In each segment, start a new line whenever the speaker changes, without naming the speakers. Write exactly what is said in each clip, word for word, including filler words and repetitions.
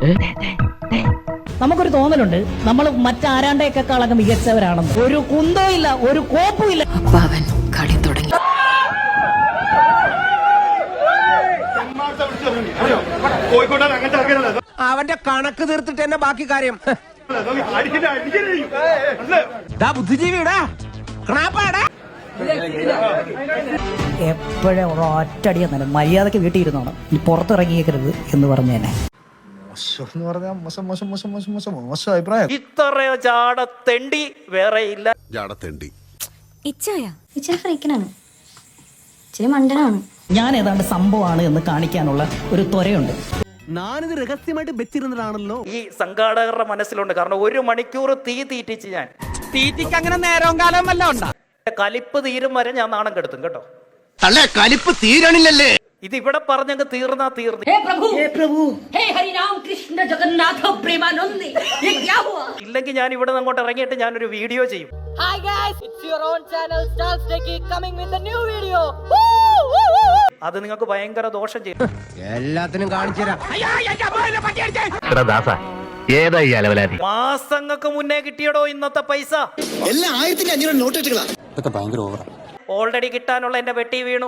നമുക്കൊരു തോന്നലുണ്ട് നമ്മൾ മറ്റാരാണ്ടേക്കാളൊക്കെ മികച്ചവരാണെന്ന്. ഒരു കുന്തോ ഇല്ല, ഒരു കോപ്പും ഇല്ല.
അവൻ കളി തുടങ്ങി.
അവന്റെ കണക്ക് തീർത്തിട്ട് എന്നെ ബാക്കി കാര്യം. ബുദ്ധിജീവിടാ
എപ്പോഴും ഒറ്റടിയ തന്നെ മര്യാദക്ക് വീട്ടിൽ ഇരുന്നോണം, ഇനി പുറത്തിറങ്ങിയേക്കരുത് എന്ന് പറഞ്ഞു തന്നെ.
ഇത്രയോ ജാടത്തെണ്ടി വേറെ ഇല്ല.
ജാടത്തെണ്ടി
ഇച്ചായ ഇച്ചായ ഫ്രീക്കനാണ്, ഇച്ചിരി മണ്ടനാണ്.
ഞാൻ ഏതാണ്ട് സംഭവമാണ് എന്ന് കാണിക്കാനുള്ള ഒരു ത്വരയുണ്ട്.
ഞാനിത് രഹസ്യമായിട്ട് വെച്ചിരുന്നതാണല്ലോ.
ഈ സംഘാടകരുടെ മനസ്സിലുണ്ട്. കാരണം ഒരു മണിക്കൂർ തീ തീറ്റിച്ച് ഞാൻ
തീറ്റിക്ക് അങ്ങനെ നേരവും കാലവും വല്ല ഉണ്ടാ.
കലിപ്പ് തീരും വരെ ഞാൻ നാണം കെടുത്തും കേട്ടോ.
തള്ളേ കലിപ്പ് തീരണില്ലല്ലേ?
ഇത് ഇവിടെ പറഞ്ഞങ്ങ് തീർന്നാ തീർന്നു. ഇല്ലെങ്കിൽ ഞാൻ ഇവിടെ അങ്ങോട്ട് ഇറങ്ങിയിട്ട് ഞാനൊരു വീഡിയോ ചെയ്യും.
Hi guys, it's your own channel Stars Techie coming with a new video.
അത് നിങ്ങൾക്ക് ഭയങ്കര ദോഷം ചെയ്യും.
എല്ലാത്തിനും കാണിച്ചുതരാം.
മാസങ്ങൾക്ക് മുന്നേ കിട്ടിയടോ ഇന്നത്തെ പൈസ. ഓൾറെഡി കിട്ടാനുള്ള എന്റെ വെട്ടി വീണു.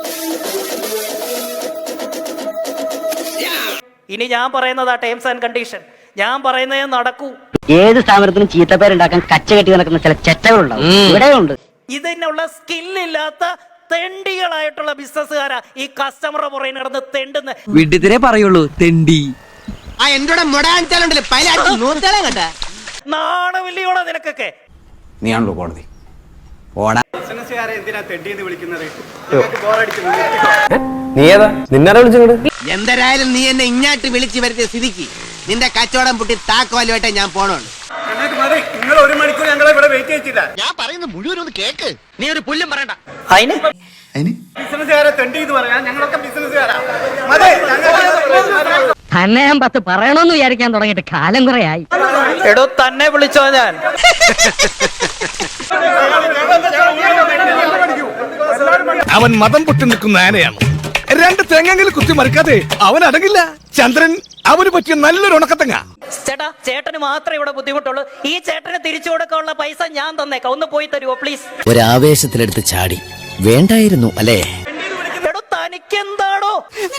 ഇനി ഞാൻ പറയുന്നതാ ടേംസ് ആൻഡ് കണ്ടീഷൻ. ഞാൻ പറയുന്നതേ നടക്കൂ.
ഏത് സ്ഥാപനത്തിനും ചീത്തപ്പേരുണ്ടാക്കാൻ കച്ച കെട്ടി നടക്കുന്ന ചില ചെറ്റകളുണ്ടാവും, ഇവിടെയുണ്ട്.
ഇതിനുള്ള സ്കില്ലില്ലാത്ത തെണ്ടികളായിട്ടുള്ള ബിസിനസ്സുകാരാ ഈ കസ്റ്റമറുടെ പുറകെ നടന്ന് തെണ്ടുന്ന.
വിഡിതിരെ പറയുള്ളൂ തെണ്ടി.
നാണമില്ലയോടെ നിനക്കൊക്കെ.
നീയാണല്ലോ കോടതി.
എന്തായാലും നീ എന്നെ ഇങ്ങാട്ട് വിളിച്ചു വരുത്തിയ സ്ഥിതിക്ക് നിന്റെ കച്ചവടം പൊട്ടി താക്കോലുമായിട്ട് ഞാൻ പോണുണ്ട്.
നിങ്ങൾ ഒരു മണിക്കൂർ ഞങ്ങളെ ഇവിടെ വെയിറ്റ് ചെയ്യിച്ചില്ല.
ഞാൻ പറയുന്നത് മുഴുവൻ ഒന്ന് കേക്ക്. നീ ഒരു പുല്ലും പറയണ്ട.
അതിന് ബിസിനസ്സുകാരെ തെണ്ടി എന്ന് പറയാൻ ഞങ്ങളൊക്കെ ബിസിനസ്സുകാരാ.
തന്നെ ഞാൻ പത്ത് പറയണമെന്ന് വിചാരിക്കാൻ തുടങ്ങിയിട്ട് കാലം കുറെ ആയി.
എടോ തന്നെ വിളിച്ചോ ഞാൻ.
അവൻ മതം പൊട്ടി നിൽക്കുന്ന ആനയാണ്. രണ്ട് തേങ്ങെങ്കിലും കുത്തി മറിക്കാതെ അവൻ അടങ്ങില്ല. ചന്ദ്രൻ അവന് പറ്റിയ നല്ലൊരു ഉണക്കത്തങ്ങ.
ചേട്ടാ, ചേട്ടന് മാത്രമേ ഇവിടെ ബുദ്ധിമുട്ടുള്ളൂ. ഈ ചേട്ടന് തിരിച്ചു കൊടുക്കാനുള്ള പൈസ ഞാൻ തന്നേക്കാം. ഒന്ന് പോയി തരുമോ പ്ലീസ്?
ഒരാവേശത്തിലെടുത്ത് ചാടി വേണ്ടായിരുന്നു അല്ലേ?
എടോ തനിക്കെന്താണോ?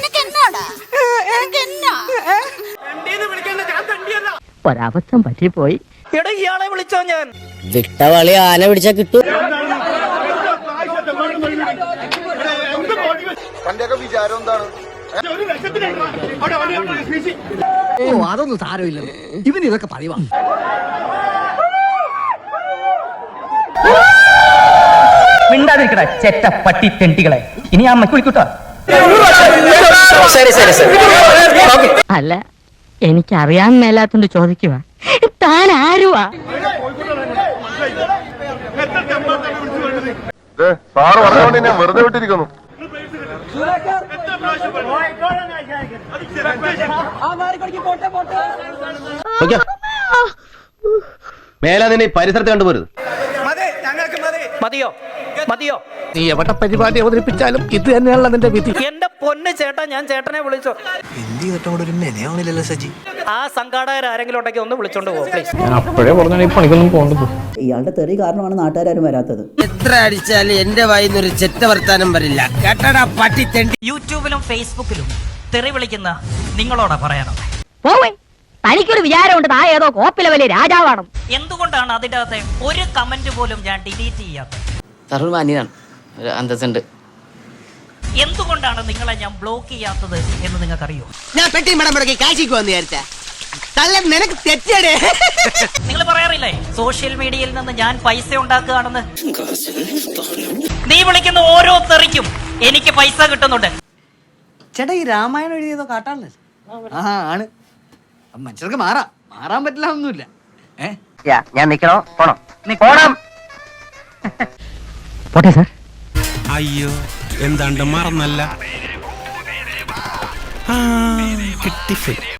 ഒരബദ്ധം പറ്റിപ്പോയി.
എടോ ഇയാളെ വിളിച്ചോ ഞാൻ.
വിട്ടവളി ആന പിടിച്ചാ കിട്ടും.
ഓ അതൊന്നും സാരമില്ല, ഇവന് ഇതൊക്കെ പറയുവാ.
മിണ്ടാതിരിക്കട ചെറ്റ പട്ടി തെണ്ടികളെ. ഇനി ആ മക്കുളിക്കൂട്ടോ. അല്ല, എനിക്കറിയാൻ മേലാത്തോണ്ട് ചോദിക്കുക, താൻ ആരുവാ?
സാറ് പറഞ്ഞുകൊണ്ട് ഞാൻ വെറുതെ വിട്ടിരിക്കുന്നു.
മേലാ നിന്നെ പരിസരത്ത് കണ്ടുപോരുത്.
മതിയോ മതിയോ?
നീ എവിടെ പരിപാടി അവതരിപ്പിച്ചാലും ഇത് തന്നെയാണല്ലോ നിന്റെ വിധി.
എന്റെ പൊന്ന് ചേട്ടാ, ഞാൻ ചേട്ടനെ വിളിച്ചോ. ആ സംഘാടകർ ആരെങ്കിലും ഉണ്ടെങ്കിൽ ഒന്ന് വിളിച്ചോണ്ട് പോകും പ്ലീസ്.
അപ്പോഴേ പറഞ്ഞാൽ ഈ പണിക്കൊന്നും പോകണ്ടത്.
ഇയാളുടെ തെറി കാരണമാണ് നാട്ടുകാരും വരാത്തത്.
എത്ര അടിച്ചാലും എന്റെ വായിന്നൊരു ചെറ്റ വർത്താനം വരില്ല. കേട്ടടാ പട്ടി തെണ്ടി.
യൂട്യൂബിലും ഫേസ്ബുക്കിലും തെറി വിളിക്കുന്ന നിങ്ങളോടാ പറയണം.
തനിക്കൊരു വിചാരമുണ്ട് താ ഏതോ കോപ്പിലെ വലിയ രാജാവാണ്.
എന്തുകൊണ്ടാണ് അതിന്റെ അകത്തെ ഒരു കമന്റ് പോലും ഞാൻ ഡിലീറ്റ് ചെയ്യാത്തത്?
അന്തസ്സുണ്ട്.
എന്തുകൊണ്ടാണ് നിങ്ങളെ ഞാൻ ബ്ലോക്ക് ചെയ്യാത്തത് എന്ന് നിങ്ങൾക്കറിയോ?
ഞാൻ പെട്ടി മടം മുടക്കി കാശിക്ക് വന്ന് വിചാരിച്ച നിനക്ക് തെറ്റടേ.
നിങ്ങൾ പറയാറില്ലേ സോഷ്യൽ മീഡിയയിൽ നിന്ന് ഞാൻ പൈസ ഉണ്ടാക്കുകയാണെന്ന്? നീ വിളിക്കുന്ന ഓരോ തെറിക്കും എനിക്ക് പൈസ കിട്ടുന്നുണ്ട്.
ചേട്ടാ, ഈ രാമായണം എഴുതിയതോ കാട്ടാളല്ലേ? ആ ആണ്. മനുഷ്യർക്ക് മാറാം, മാറാൻ പറ്റില്ല ഒന്നുമില്ല.
ഞാൻ നിക്കണോ പോണോ? പോണം. പോട്ടെ സാർ.
അയ്യോ, എന്താണ്ട് മറന്നല്ല. കിട്ടി.